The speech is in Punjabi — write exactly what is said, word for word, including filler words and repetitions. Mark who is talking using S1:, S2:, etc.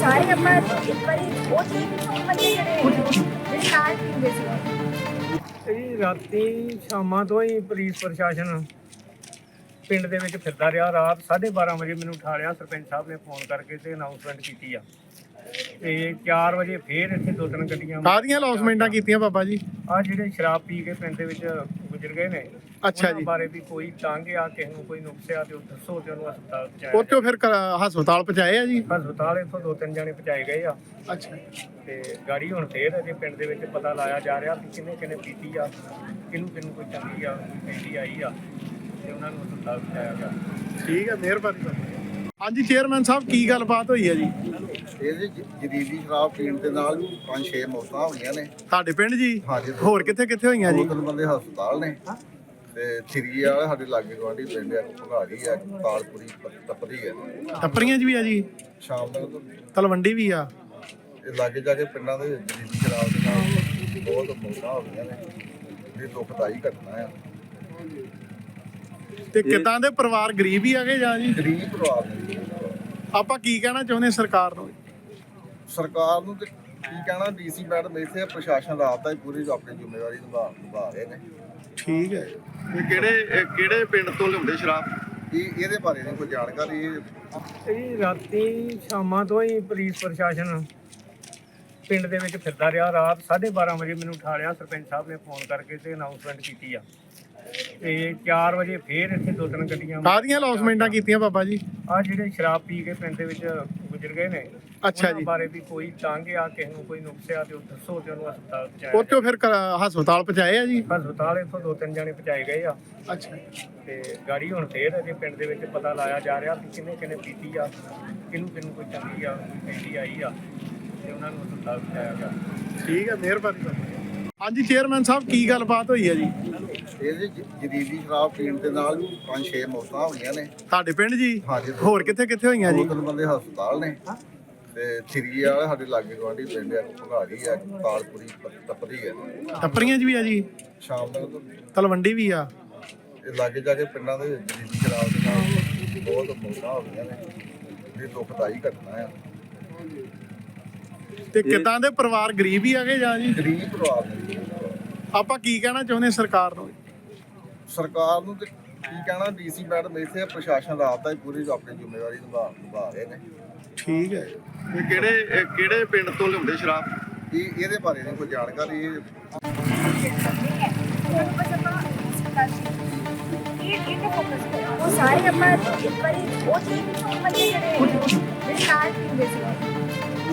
S1: ਸਾਰੇ ਆਪਾਂ ਇੱਕ ਵਾਰੀ ਉਹ ਚੀਜ਼ ਨੂੰ ਬੰਦੇ ਜਿਹੜੇ ਜਿਹੜੇ ਨਾਲ ਪੀਂਦੇ ਸੀ।
S2: ਇਹ ਰਾਤੀ ਸ਼ਾਮਾਂ ਤੋਂ ਹੀ ਪੁਲਿਸ ਪ੍ਰਸ਼ਾਸਨ ਪਿੰਡ ਦੇ ਵਿੱਚ ਫਿਰਦਾ ਰਿਹਾ। ਰਾਤ ਸਾਢੇ ਬਾਰਾਂ ਵਜੇ ਮੈਨੂੰ ਉਠਾ ਲਿਆ ਸਰਪੰਚ ਸਾਹਿਬ ਨੇ ਫੋਨ ਕਰਕੇ ਤੇ ਅਨਾਉਂਸਮੈਂਟ ਕੀਤੀ ਆ। ਤੇ ਚਾਰ ਵਜੇ ਫੇਰ ਇੱਥੇ ਦੋ ਤਿੰਨ ਗੱਡੀਆਂ
S3: ਕਾਹਦੀਆਂ ਅਨਾਉਂਸਮੈਂਟਾਂ ਕੀਤੀਆਂ ਬਾਬਾ ਜੀ?
S2: ਆ ਜਿਹੜੇ ਸ਼ਰਾਬ ਪੀ ਕੇ ਪਿੰਡ ਦੇ ਵਿੱਚ ਗੁਜ਼ਰ ਗਏ ਨੇ,
S3: ਅੱਛਾ
S2: ਉਹਨਾਂ
S3: ਜੀ।
S2: ਬਾਰੇ ਵੀ ਕੋਈ ਤੰਗ ਆ, ਕਿਸੇ ਨੂੰ ਕੋਈ ਨੁਕਸ ਆ ਤੇ ਉਹ ਦੱਸੋ ਤੇ ਉਹਨੂੰ ਹਸਪਤਾਲ ਪਹੁੰਚਾਇਆ
S3: ਉੱਥੋਂ ਫਿਰ ਕ- ਹਸਪਤਾਲ ਪਹੁੰਚਾਏ ਆ ਜੀ?
S2: ਜਾਏ। ਹਸਪਤਾਲ ਇੱਥੋਂ ਦੋ ਤਿੰਨ ਜਾਣੇ ਪਹੁੰਚਾਏ ਗਏ ਆ
S3: ਅੱਛਾ
S2: ਤੇ ਗਾੜੀ ਹੁਣ ਫੇਰ ਅਜੇ ਪਿੰਡ ਦੇ ਵਿੱਚ ਪਤਾ ਲਾਇਆ ਜਾ ਰਿਹਾ ਕਿ ਕਿਹਨੇ ਕਿਹਨੇ ਪੀਤੀ ਆ, ਕਿਹਨੂੰ ਕਿਹਨੂੰ ਕੋਈ ਚੰਗੀ ਆ, ਕੋਈ ਪੈਂਦੀ ਆਈ ਆ ਤੇ ਉਹਨਾਂ ਨੂੰ ਹਸਪਤਾਲ ਪਹੁੰਚਾਇਆ ਗਿਆ।
S3: ਠੀਕ ਹੈ, ਮਿਹਰਬਾਨੀ। ਹਾਂਜੀ ਚੇਅਰਮੈਨ ਸਾਹਿਬ, ਕੀ ਗੱਲਬਾਤ ਹੋਈ ਹੈ ਜੀ?
S4: ਇਹ ਜੀ ਜਦੀਦੀ ਸ਼ਰਾਬ ਪੀਣ ਦੇ ਨਾਲ ਪੰਜ ਛੇ ਮੌਤਾਂ ਹੋਈਆਂ ਨੇ
S3: ਤੁਹਾਡੇ ਪਿੰਡ ਜੀ?
S4: ਹਾਂਜੀ।
S3: ਹੋਰ ਕਿੱਥੇ ਕਿੱਥੇ ਹੋਈਆਂ ਜੀ?
S4: ਦੋ ਤਿੰਨ ਬੰਦੇ ਹਸਪਤਾਲ ਨੇ ਤੇ ਥਰੀ ਵਾਲੇ ਸਾਡੇ ਲਾਗੇ ਗਵਾਂਢੀ ਪਿੰਡ ਆ, ਭਗਾੜੀ ਆ, ਤਾਲਪੁਰੀ, ਤਪਰੀ ਆ,
S3: ਟੱਪਰੀਆਂ 'ਚ ਵੀ ਆ ਜੀ?
S4: ਸ਼ਾਮ ਤੱਕ
S3: ਤਲਵੰਡੀ ਵੀ ਆ?
S4: ਇਹ ਲਾਗੇ ਜਾ ਕੇ ਪਿੰਡਾਂ ਦੇ ਜਦੀਦੀ ਸ਼ਰਾਬ ਦੇ ਨਾਲ ਬਹੁਤ ਮੌਤਾਂ ਹੋ ਗਈਆਂ ਨੇ। ਇਹ ਦੁਖਦਾਈ ਘਟਨਾ ਆ।
S3: ਤੇ ਕਿੱਦਾਂ ਦੇ ਪਰਿਵਾਰ ਗਰੀਬ ਹੀ ਆਗੇ ਜਾਂ ਜੀ?
S4: ਗਰੀਬ ਪਰਿਵਾਰ ਨੇ।
S3: ਆਪਾਂ ਕੀ ਕਹਿਣਾ ਚਾਹੁੰਦੇ ਸਰਕਾਰ ਨੂੰ?
S4: ਸਰਕਾਰ ਨੂੰ ਤੇ ਕੀ ਕਹਿਣਾ, ਡੀਸੀ ਮੈਡਮ ਇੱਥੇ ਪ੍ਰਸ਼ਾਸਨ ਰਾਤ ਦਾ ਹੀ ਪੂਰੀ ਆਪਣੀ ਜ਼ਿੰਮੇਵਾਰੀ ਨਿਭਾ ਨਿਭਾ ਰਹੇ ਨੇ।
S3: ਠੀਕ ਹੈ।
S5: ਇਹ ਕਿਹੜੇ ਕਿਹੜੇ ਪਿੰਡ ਤੋਂ ਲਿਆਉਂਦੇ ਸ਼ਰਾਬ?
S4: ਇਹ ਇਹਦੇ ਬਾਰੇ ਨਹੀਂ ਕੋਈ ਜਾਣਕਾਰੀ। ਇਹ
S2: ਇਹ ਰਾਤੀ ਸ਼ਾਮਾਂ ਤੋਂ ਹੀ ਪੁਲਿਸ ਪ੍ਰਸ਼ਾਸਨ ਪਿੰਡ ਦੇ ਵਿੱਚ ਫਿਰਦਾ ਰਿਹਾ। ਰਾਤ ਸਾਢੇ ਬਾਰਾਂ ਵਜੇ ਮੈਨੂੰ ਉਠਾ ਲਿਆ ਸਰਪੰਚ ਸਾਹਿਬ ਨੇ ਫੋਨ ਕਰਕੇ ਤੇ ਅਨਾਉਂਸਮੈਂਟ ਕੀਤੀ ਆ। ਤੇ ਚਾਰ ਵਜੇ ਫੇਰ ਇੱਥੇ ਦੋ ਤਿੰਨ ਗੱਡੀਆਂ
S3: ਕਾਹਦੀਆਂ ਅਨਾਉਂਸਮੈਂਟਾਂ ਕੀਤੀਆਂ ਬਾਬਾ ਜੀ?
S2: ਆ ਜਿਹੜੇ ਸ਼ਰਾਬ ਪੀ ਕੇ ਪਿੰਡ ਦੇ ਵਿੱਚ ਗੁਜ਼ਰ ਗਏ ਨੇ,
S3: ਅੱਛਾ
S2: ਉਹਨਾਂ
S3: ਜੀ।
S2: ਬਾਰੇ ਵੀ ਕੋਈ ਤੰਗ ਆ, ਕਿਸੇ ਨੂੰ ਕੋਈ ਨੁਕਸ ਆ ਤੇ ਉਹ ਦੱਸੋ ਤੇ ਉਹਨੂੰ ਹਸਪਤਾਲ ਪਹੁੰਚਾਇਆ
S3: ਉੱਥੋਂ ਫਿਰ ਕ- ਹਸਪਤਾਲ ਪਹੁੰਚਾਏ ਆ ਜੀ?
S2: ਜਾਏ। ਹਸਪਤਾਲ ਇੱਥੋਂ ਦੋ ਤਿੰਨ ਜਾਣੇ ਪਹੁੰਚਾਏ ਗਏ ਆ
S3: ਅੱਛਾ
S2: ਤੇ ਗਾੜੀ ਹੁਣ ਫੇਰ ਅਜੇ ਪਿੰਡ ਦੇ ਵਿੱਚ ਪਤਾ ਲਾਇਆ ਜਾ ਰਿਹਾ ਕਿ ਕਿਹਨੇ ਕਿਹਨੇ ਪੀਤੀ ਆ, ਕਿਹਨੂੰ ਕਿਹਨੂੰ ਕੋਈ ਚੰਗੀ ਆ, ਕੋਈ ਪੈਂਦੀ ਆਈ ਆ ਤੇ ਉਹਨਾਂ ਨੂੰ ਹਸਪਤਾਲ ਪਹੁੰਚਾਇਆ ਗਿਆ।
S3: ਠੀਕ ਹੈ, ਮਿਹਰਬਾਨੀ। ਹਾਂਜੀ ਚੇਅਰਮੈਨ ਸਾਹਿਬ, ਕੀ ਗੱਲਬਾਤ ਹੋਈ ਹੈ ਜੀ?
S4: ਇਹ ਜੀ ਜਦੀਦੀ ਸ਼ਰਾਬ ਪੀਣ ਦੇ ਨਾਲ ਪੰਜ ਛੇ ਮੌਤਾਂ ਹੋਈਆਂ ਨੇ।
S3: ਤੁਹਾਡੇ ਪਿੰਡ ਜੀ?
S4: ਹਾਂਜੀ।
S3: ਹੋਰ ਕਿੱਥੇ ਕਿੱਥੇ ਹੋਈਆਂ
S4: ਦੋ
S3: ਜੀ?
S4: ਤਿੰਨ ਬੰਦੇ ਹਸਪਤਾਲ ਨੇ ਤੇ ਥਰੀ ਵਾਲੇ ਸਾਡੇ ਲਾਗੇ ਗਵਾਂਢੀ ਪਿੰਡ ਆ, ਭਗਾੜੀ ਆ, ਤਾਲਪੁਰੀ, ਤਪਰੀ ਆ,
S3: ਟੱਪਰੀਆਂ 'ਚ ਵੀ ਆ ਜੀ?
S4: ਸ਼ਾਮ ਤੱਕ
S3: ਤਲਵੰਡੀ ਵੀ ਆ?
S4: ਇਹ ਲਾਗੇ ਜਾ ਕੇ ਪਿੰਡਾਂ ਦੇ ਜਦੀਦੀ ਸ਼ਰਾਬ ਦੇ ਨਾਲ ਬਹੁਤ ਮੌਤਾਂ ਹੋ ਗਈਆਂ ਨੇ। ਇਹ ਦੁਖਦਾਈ ਘਟਨਾ ਆ।
S3: ਤੇ ਕਿੱਦਾਂ ਦੇ ਪਰਿਵਾਰ ਗਰੀਬ ਹੀ ਆਗੇ ਜਾਂ ਜੀ?
S4: ਗਰੀਬ ਪਰਿਵਾਰ ਨੇ।
S3: ਆਪਾਂ ਕੀ ਕਹਿਣਾ ਚਾਹੁੰਦੇ ਸਰਕਾਰ ਨੂੰ?
S4: ਸਰਕਾਰ ਨੂੰ ਤੇ ਕੀ ਕਹਿਣਾ, ਡੀਸੀ ਮੈਡਮ ਇੱਥੇ ਪ੍ਰਸ਼ਾਸਨ ਰਾਤ ਦਾ ਹੀ ਪੂਰੀ ਆਪਣੀ ਜ਼ਿੰਮੇਵਾਰੀ ਨਿਭਾ ਨਿਭਾ ਰਹੇ ਨੇ।
S3: ਠੀਕ ਹੈ।
S5: ਇਹ ਕਿਹੜੇ ਕਿਹੜੇ ਪਿੰਡ ਤੋਂ ਲਿਆਉਂਦੇ ਸ਼ਰਾਬ?
S4: ਇਹ ਇਹਦੇ ਬਾਰੇ ਨਹੀਂ ਕੋਈ ਜਾਣਕਾਰੀ। ਇਹ
S1: ਬਸ ਆਪਾਂ ਹਸਪਤਾਲ ਇਹ ਇਹ ਤੇ ਫੋਕਸ ਕਰੋ। ਉਹ ਸਾਰੇ ਆਪਾਂ ਇੱਕ ਵਾਰੀ ਉਹ ਚੀਜ਼ ਨੂੰ ਬੰਦੇ ਜਿਹੜੇ ਜਿਹੜੇ ਨਾਲ ਪੀਂਦੇ ਸੀ।